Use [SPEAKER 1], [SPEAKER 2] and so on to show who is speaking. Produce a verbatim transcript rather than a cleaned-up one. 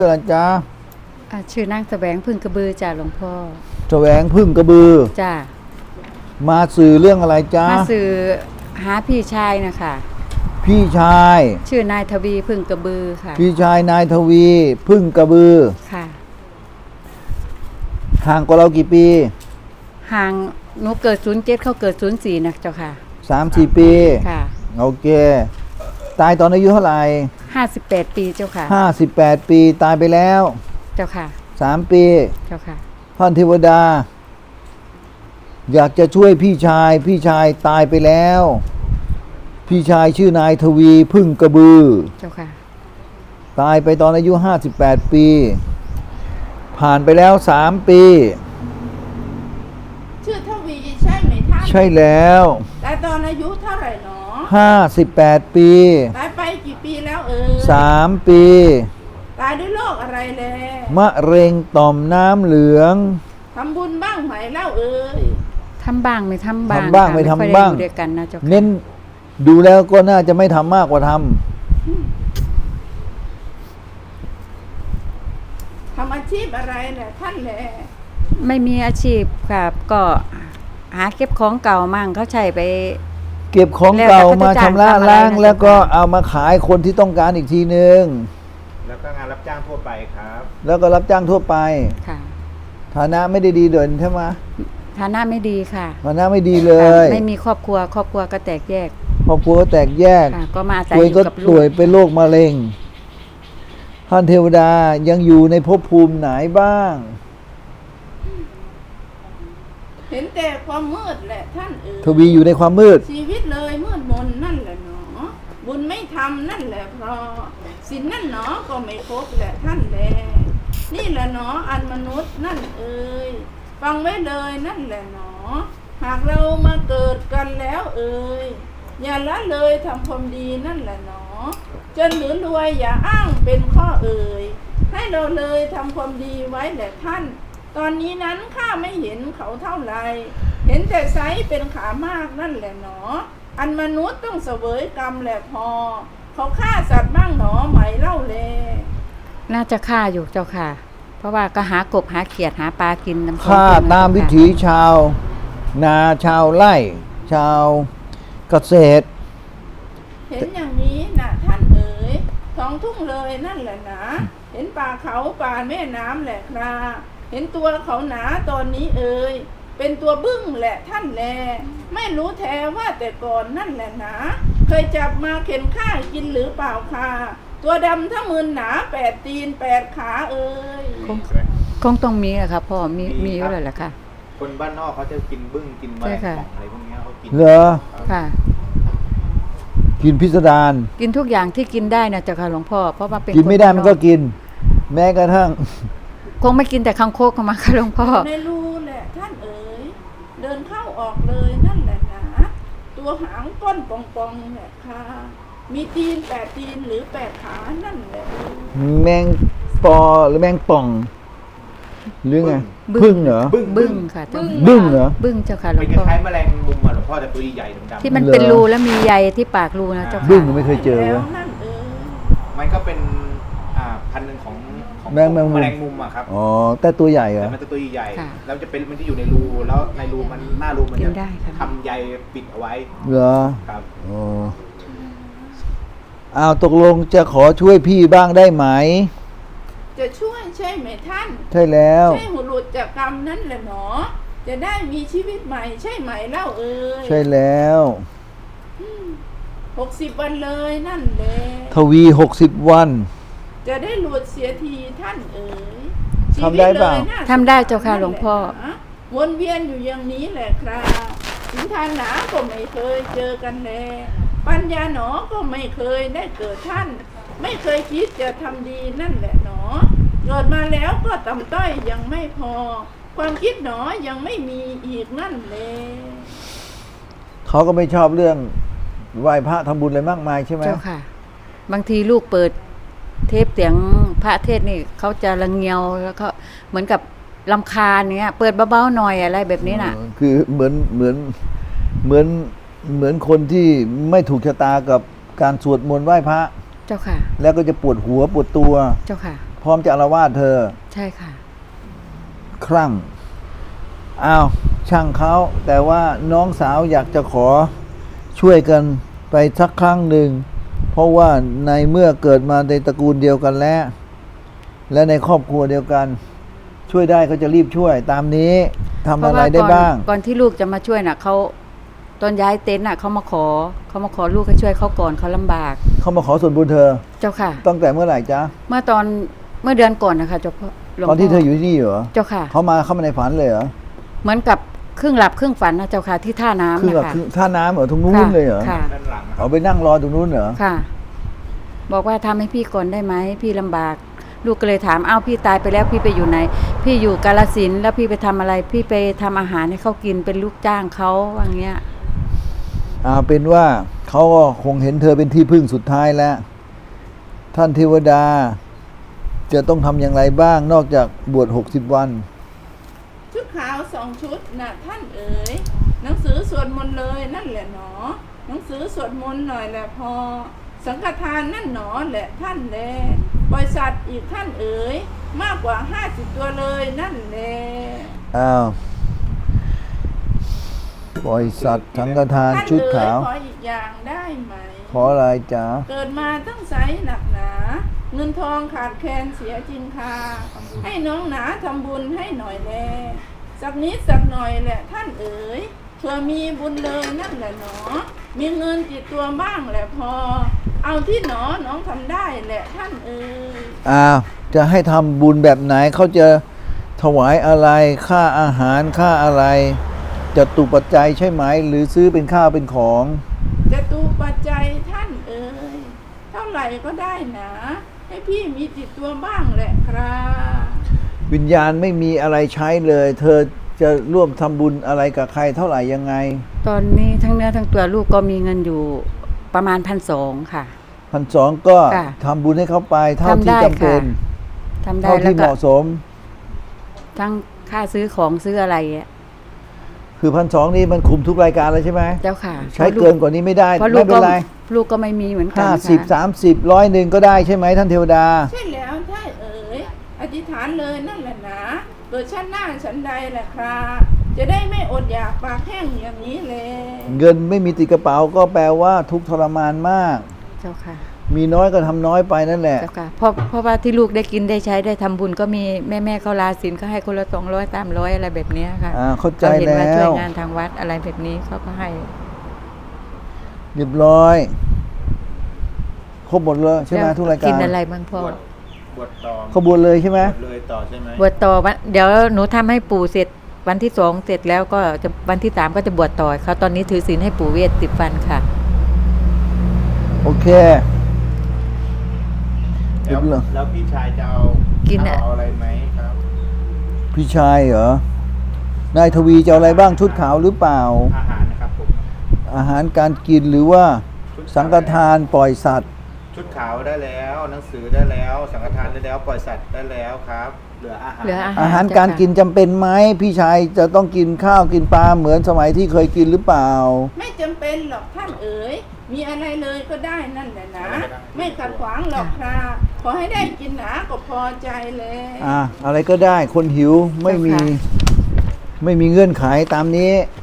[SPEAKER 1] อะไรจ๊ะ
[SPEAKER 2] อ่าชื่อนางแสวงพึ่งกระบือจ้าหลวงพ่อ
[SPEAKER 1] แสวงพึ่งกระบือ
[SPEAKER 2] จ้า
[SPEAKER 1] มาสื่อเรื่องอะไรจ๊ะ
[SPEAKER 2] มาสื่อหาพี่ชายนะคะ
[SPEAKER 1] พี่ชาย
[SPEAKER 2] ชื่อนายทวีพึ่งกระบือค่ะ
[SPEAKER 1] พี่ชายนายทวีพึ่งกระบือ
[SPEAKER 2] ค่ะ
[SPEAKER 1] ห่างกว่าเรากี่ปี
[SPEAKER 2] ห่างหนูเกิดศูนย์เจ็ดเขาเกิดศูนย์สี่นะเจ้าค่ะ
[SPEAKER 1] สามสี่ปี
[SPEAKER 2] ค่ะ
[SPEAKER 1] โอเคตายตอนอายุเท่าไหร่
[SPEAKER 2] ห้าสิบแปดปีเจ้าค่ะ
[SPEAKER 1] ห้าสิบแปดปีตายไปแล้ว
[SPEAKER 2] เจ้าค่ะ
[SPEAKER 1] สามปี
[SPEAKER 2] เจ้าค่ะ
[SPEAKER 1] ท่านเทวดาอยากจะช่วยพี่ชายพี่ชายตายไปแล้วพี่ชายชื่อนายทวีพึ่งกระบือ
[SPEAKER 2] เจ้าค่ะ
[SPEAKER 1] ตายไปตอนอายุห้าสิบแปดปีผ่านไปแล้วสามปี
[SPEAKER 3] ชื่อทวีใช่ไหมท่าน
[SPEAKER 1] ใช่แล้ว
[SPEAKER 3] ตายตอนอายุเท่าไหร่หนอ
[SPEAKER 1] ห้าสิบแปดปี
[SPEAKER 3] ตายไปกี่ปีแล้วเออ
[SPEAKER 1] สามปี
[SPEAKER 3] ตายด้วยโรคอะไรแล
[SPEAKER 1] มะเร็งต่อมน้ำเหลือง
[SPEAKER 3] ทำบุญบ้างไหมเล่าเอ่ย
[SPEAKER 2] ทำบ้างไม่ทำบ้าง
[SPEAKER 1] ทำบ้างไม่ทำบ้าง
[SPEAKER 2] เดียวกันนะเจ้าค่ะ
[SPEAKER 1] เน้นดูแล้วก็น่าจะไม่ทำมากกว่าทำ
[SPEAKER 3] ทำอาชีพอะไรแหละท่านแหละ
[SPEAKER 2] ไม่มีอาชีพครับก็หาเก็บของเก่ามั่งเขาใช้ไป
[SPEAKER 1] เก็บของเก่ามาชำระล้างแล้วก็เอามาขายคนที่ต้องการอีกทีนึง
[SPEAKER 4] แล้วก็งานรับจ้างทั่วไปครับ
[SPEAKER 1] แล้วก็รับจ้างทั่วไป
[SPEAKER 2] ค่ะ
[SPEAKER 1] ฐานะไม่ได้ดีเด่นใช่ไหม
[SPEAKER 2] ฐานะไม่ดีค่ะ
[SPEAKER 1] ฐานะไม่ดีเลย
[SPEAKER 2] ไม่มีครอบครัวครอบครัวก็แตกแยก
[SPEAKER 1] ครอบครัวก็แตกแยก
[SPEAKER 2] ก็มาอาศัยอยู่กับลูก
[SPEAKER 1] ป่วยเป็นโรคมะเร็งท่านเทวดายังอยู่ในภพภูมิไหนบ้าง
[SPEAKER 3] เห็นแต่ความมืดแหละท่านเอ๋ย
[SPEAKER 1] ทวีอยู่ในความมืด
[SPEAKER 3] ชีวิตเลยมืดมนนั่นแหละหนอบุญไม่ทำนั่นแหละเพราะศีลนั่นหนอก็ไม่ครบแหละท่านแลนี่แหละหนออันมนุษย์นั่นเอ๋ยฟังไว้เลยนั่นแหละหนอหากเรามาเกิดกันแล้วเอ๋ยอย่าละเลยทำความดีนั่นแหละหนอจนหรือรวยอย่าอ้างเป็นข้อเอ่ยให้เราเลยทำความดีไว้แหละท่านตอนนี้นั้นข้าไม่เห็นเขาเท่าไรเห็นแต่ไซเป็นขามากนั่นแหละหนออันมนุษย์ต้องเสวยกรรมแหละพอเขาฆ่าสัตว์บ้างหนอไหมเล่าแล
[SPEAKER 2] น่าจะฆ่าอยู่เจ้าค่ะเพราะว่าก็หากบหาเขียดหาปลากิน
[SPEAKER 1] ฆ่าตามวิถีชาวนาชาวไร่ชาวเกษตร
[SPEAKER 3] เห็นอย่างนี้นะท่านเอ๋ยท้องทุ่งเลยนั่นแหละนะเห็นป่าเขาป่าแม่น้ำแหละคราเห็นตัวเขาหนาตอนนี้เอ๋ยเป็นตัวบึ้งแหละท่านแลไม่รู้แท้ว่าแต่ก่อนนั่นแหละนะเคยจับมาเข็นฆ่ากินหรือเปล่าค่ะตัวดำทั้งมือหนาแปดตีนแปดขาเอ๋ย
[SPEAKER 2] คงต้องมีอะค่ะพ่อมีมีอยู่เลยแหละค่ะ
[SPEAKER 4] คนบ้านนอกเขาจะกินบึ้งกินแมลงป่องอะไรพวกนี้เขากิน
[SPEAKER 1] เหรอ
[SPEAKER 2] ค่ะ
[SPEAKER 1] กินพิสดาร
[SPEAKER 2] กินทุกอย่างที่กินได้นะเจ้าค่ะหลวงพ่อเพราะว่าเป็น
[SPEAKER 1] กินไม่ได้มันก็กินแม้กระทั่ง
[SPEAKER 2] คงไม่กินแต่คังคกเข้ามาค่ะหลวงพ่อ
[SPEAKER 3] ในรูแหละท่านเอ๋ยเดินเข้าออกเลยนั่นแหละนะตัวหางก้นปองๆแหละค่ะมีตีนแปดตีนหรือแปดขานั่นแหละ
[SPEAKER 1] แมงปอหรือแมงป่องหรือไงบึ้งเหรอ
[SPEAKER 2] บึ้งค่ะ
[SPEAKER 1] บึ้งเหรอ
[SPEAKER 2] บึ้งเจ้าค่ะหลวงพ่อ
[SPEAKER 4] คล้ายแมลงมุมอ่ะหลวงพ่อแต่ตัวใหญ่ดำๆ
[SPEAKER 2] ที่มันเป็นรูแล้วมีใยที่ปากรูนะเจ้าค่ะ
[SPEAKER 1] บึ้งไม่เคยเจอวะ
[SPEAKER 4] มันก็เป็นอ่าพันธุ์หนึ่งของ
[SPEAKER 1] แมงแมง
[SPEAKER 4] มุมอ่ะครับ
[SPEAKER 1] อ๋อแต่ตัวใหญ่เหรอ
[SPEAKER 4] มันจะตัวใหญ่แล้วจะเป็นมันจะอยู่ในรูแล้วในรูมันหน้ารูมันจะทำใยปิดเอาไว้
[SPEAKER 1] เหรอ
[SPEAKER 4] ครับ
[SPEAKER 1] อ๋ออ้าวตกลงจะขอช่วยพี่บ้างได้ไหม
[SPEAKER 3] จะช่วยใช่ไหมท่าน
[SPEAKER 1] ใช่แล้ว
[SPEAKER 3] ใช่หุหลุดจากกรรมนั่นแหละหนอจะได้มีชีวิตใหม่ใช่ไหมเล่าเอ่ย
[SPEAKER 1] ใช่แล้ว
[SPEAKER 3] หกสิบวันเลยนั่นแหละ
[SPEAKER 1] ทวีหกสิบวัน
[SPEAKER 3] จะได้หลุดเสียทีท่านเอ๋ย
[SPEAKER 1] ทำได้เปล่า
[SPEAKER 2] ทำได้เจ้าค่ะหลวงพ่อ
[SPEAKER 3] วนเวียนอยู่อย่างนี้แหละครับถึงทานหนาก็ไม่เคยเจอกันแลปัญญาหนอก็ไม่เคยได้เกิดท่านไม่เคยคิดจะทำดีนั่นแหละหนอเกิดมาแล้วก็ต่ำต้อยยังไม่พอความคิดหนอยังไม่มีอีกนั่นเลย
[SPEAKER 1] เขาก็ไม่ชอบเรื่องไหว้พระทำบุญอะไรมากมายใช่ไหม
[SPEAKER 2] เจ้าค่ะบางทีลูกเปิดเทปเสียงพระเทศนี่เขาจะระเงียวแล้วก็เหมือนกับรำคาญเนี้ยเปิดเบาๆหน่อยอะไรแบบนี้น่ะ
[SPEAKER 1] คือเหมือนเหมือนเหมือนเหมือนคนที่ไม่ถูกชะตากับการสวดมนต์ไหว้พระ
[SPEAKER 2] เจ้าค่ะ
[SPEAKER 1] แล้วก็จะปวดหัวปวดตัว
[SPEAKER 2] เจ้าค่ะ
[SPEAKER 1] พร้อมจะอาละวาดเธอ
[SPEAKER 2] ใช่ค่ะ
[SPEAKER 1] ครั่งอ้าวช่างเขาแต่ว่าน้องสาวอยากจะขอช่วยกันไปสักครั้งหนึ่งเพราะว่าในเมื่อเกิดมาในตระกูลเดียวกันแล้ว และในครอบครัวเดียวกัน ช่วยได้ก็จะรีบช่วยตามนี้ทำอะไรได้บ้าง
[SPEAKER 2] เพระว่ก่อนก่อนที่ลูกจะมาช่วยน่ะเขาตอนย้ายเต็นท์น่ะเขามาขอเขามาขอลูกให้ช่วยเขาก่อนเขาลำบาก
[SPEAKER 1] เขามาขอส่วนบุญเธอ
[SPEAKER 2] เจ้าค่ะ
[SPEAKER 1] ตั้งแต่เมื่อไหร่จ๊ะ
[SPEAKER 2] เมื่อตอนเมื่อเดือนก่อนนะคะเจ้าพ่อหลวง
[SPEAKER 1] ตอนที่
[SPEAKER 2] พ่
[SPEAKER 1] เธออยู่ที่นี่เหรอ
[SPEAKER 2] เจ้าค่ะ
[SPEAKER 1] เขามาเข้ามาในฝันเลยเหรอ
[SPEAKER 2] เหมือนกับครึ่งหลับครึ่งฝันนะเจ้าค่ะที่ท่าน้ำ
[SPEAKER 1] คือ
[SPEAKER 2] นะ
[SPEAKER 1] แบบ
[SPEAKER 2] คะ
[SPEAKER 1] คือท่าน้ำเหรอตรงนู้น
[SPEAKER 2] ค่ะ
[SPEAKER 1] เลยเหรอ
[SPEAKER 2] ค่ะ
[SPEAKER 4] ด้านหลังนะครั
[SPEAKER 1] เอา
[SPEAKER 4] บ
[SPEAKER 1] ไปนั่งรอตรงนู้นเหรอ
[SPEAKER 2] ค่ะ บอกว่าทำให้พี่ก่อนได้ไหมพี่ลำบาก ลูกก็เลยถามอ้าวพี่ตายไปแล้วพี่ไปอยู่ไหน พี่อยู่กาฬสินธุ์แล้วพี่ไปทำอะไร พี่ไปทำอาหารให้เขากินเป็นลูกจ้างเขาว่าอย่างเงี้ย
[SPEAKER 1] เอาเป็นว่าเขาก็คงเห็นเธอเป็นที่พึ่งสุดท้ายแล้ว ท่านเทวดา จะต้องทำอย่างไรบ้างนอกจากบวชหกสิบวัน
[SPEAKER 3] ชุดขาวสองชุดน่ะท่านเอ๋ยหนังสือสวดมนต์เลยนั่นแหละหนอหนังสือสวดมนต์หน่อยแหละพอ สังฆทานนั่นหนอแหละท่านแลบริษัทอีกท่านเอ๋ยมากกว่าห้าสิบตัวเลยนั่นแหละ
[SPEAKER 1] อ้าวปล่อยสัตว์สังฆทาน
[SPEAKER 3] ท่าน
[SPEAKER 1] ชุด
[SPEAKER 3] เอ๋
[SPEAKER 1] ขาย ว
[SPEAKER 3] ขออีกอย่างได้ไหม
[SPEAKER 1] ขออะไรจ๊ะ
[SPEAKER 3] เกิดมาต้องใช้หนักหนา เงินทองขาดแคลนเสียจริงค่ะให้น้องหนาทำบุญให้หน่อยแลสักนิดสักหน่อยแหละท่านเอ๋ยเพื่อมีบุญเลยนั่นแหละหนอ มีเงินติดตัวบ้างแหละพอ เอาที่หนอน้องทำได้แหละท่านเอ๋ย
[SPEAKER 1] อ้าวจะให้ทำบุญแบบไหนเขาจะถวายอะไรค่าอาหารค่าอะไรจะตุปัจจัยใช่ไหม หรือซื้อเป็นข้าวเป็นของ
[SPEAKER 3] จะตูปัจจัยท่านเอ๋ยเท่าไหร่ก็ได้นะให้พี่มีติดตัวบ้างแหละครับ
[SPEAKER 1] วิญญาณไม่มีอะไรใช้เลย เธอจะร่วมทำบุญอะไรกับใครเท่าไหร่ยังไง
[SPEAKER 2] ตอนนี้ทั้งเนื้อทั้งตัวลูกก็มีเงินอยู่ประมาณพันสองค่ะ
[SPEAKER 1] พันสองก็
[SPEAKER 2] ค่ะ
[SPEAKER 1] ทำบุญให้เขาไปเท่า
[SPEAKER 2] ทำ
[SPEAKER 1] ที่
[SPEAKER 2] ได้
[SPEAKER 1] จำเป็น
[SPEAKER 2] ค่ะ ทำได้
[SPEAKER 1] เท่า
[SPEAKER 2] แล้ว
[SPEAKER 1] ที่เห
[SPEAKER 2] ก็
[SPEAKER 1] มาะสม
[SPEAKER 2] ทั้งค่าซื้อของซื้ออะไรอ่ะ
[SPEAKER 1] คือพันสองนี่มันคุมทุกรายการเลยใช่ไหม
[SPEAKER 2] เจ้าค่ะ
[SPEAKER 1] ใช้เกินกว่านี้ไม่ได้
[SPEAKER 2] เพราะลู
[SPEAKER 1] ไม่
[SPEAKER 2] ก
[SPEAKER 1] เป็
[SPEAKER 2] ก็
[SPEAKER 1] นไร
[SPEAKER 2] ลูกก็ไม่มีเหมือนกัน
[SPEAKER 1] ห้า
[SPEAKER 2] ค่ะ
[SPEAKER 1] สิบสามสิบร้อยหนึ่งก็ได้ใช่ไหมท่านเทวดา
[SPEAKER 3] ใช่แล้วท่านเอ๋ยอธิษฐานเลยนั่นแหละนะเกิดชาติหน้าฉันใดแหละครับจะได้ไม่อดอยากปากแห้งอย่างนี้เลย
[SPEAKER 1] เงินไม่มีติดกระเป๋าก็แปลว่าทุกข์ทรมานมาก
[SPEAKER 2] เจ้าค่ะ
[SPEAKER 1] มีน้อยก็ทำน้อยไปนั่นแหละ
[SPEAKER 2] เจ้าค่ะเพราะเพราะว่าที่ลูกได้กินได้ใช้ได้ทำบุญก็มีแม่แม่ๆเขาลาศีลก็ให้คนละสองร้อยสามร้อยอะไรแบบเนี้ยค่ะ
[SPEAKER 1] อ่าเข้าใจ
[SPEAKER 2] เขาเห็นว่า
[SPEAKER 1] แล้ว
[SPEAKER 2] ช่วยงานทางวัดอะไรแบบนี้เขาก็ให้
[SPEAKER 1] เรียบร้อยครบหมดเลยใช่ไหม
[SPEAKER 2] แล้ว
[SPEAKER 1] ทุกรายการ
[SPEAKER 2] กินอะไรบ้างพ่อบ
[SPEAKER 4] วชบวชต่อ
[SPEAKER 1] ขบวนเลยใช่ไหม
[SPEAKER 4] บวชเลยต่อใช่ไหม
[SPEAKER 2] บวชต่อวันเดี๋ยวหนูทำให้ปู่เสร็จวันที่สองเสร็จแล้วก็จะวันที่สามก็จะบวชต่อเขาตอนนี้ถือศีลให้ปู่เวทสิบวันค่ะ
[SPEAKER 1] โอเค
[SPEAKER 4] แล้ว
[SPEAKER 1] เรียบร้อย
[SPEAKER 4] แล้วพี่ชายจะเอา
[SPEAKER 2] กินอะ
[SPEAKER 4] เอาอะไรไหมครับ
[SPEAKER 1] พี่ชายเหรอนายทวีจะเอาอะไรบ้างชุดขาวหรือเปล่า
[SPEAKER 4] อาหารนะครับผม
[SPEAKER 1] อาหารการกินหรือว่าสังฆทานปล่อยสัตว์
[SPEAKER 4] ชุดขาวได้แล้ว หนังสือได้แล้ว สังฆทานได้แล้ว ปล่อยสัตว์ได้แล้วครับ เหลืออาหาร
[SPEAKER 2] เหลืออาห
[SPEAKER 1] อาหารการกินจำเป็นไหมพี่ชายจะต้องกินข้าวกินปลาเหมือนสมัยที่เคยกินหรือเปล่า
[SPEAKER 3] ไม่จำเป็นหรอกท่านเอ๋ยมีอะไรเลยก็ได้นั่นแหละนะ ไม่ขัดขวางหรอกครับขอให้ได้กินหนาก็พอใจเลย
[SPEAKER 1] อ่ะอะไรก็ได้คนหิวไม่มี
[SPEAKER 2] เจ้าค่ะ
[SPEAKER 1] ไม่มีเงื่อนไขตามนี้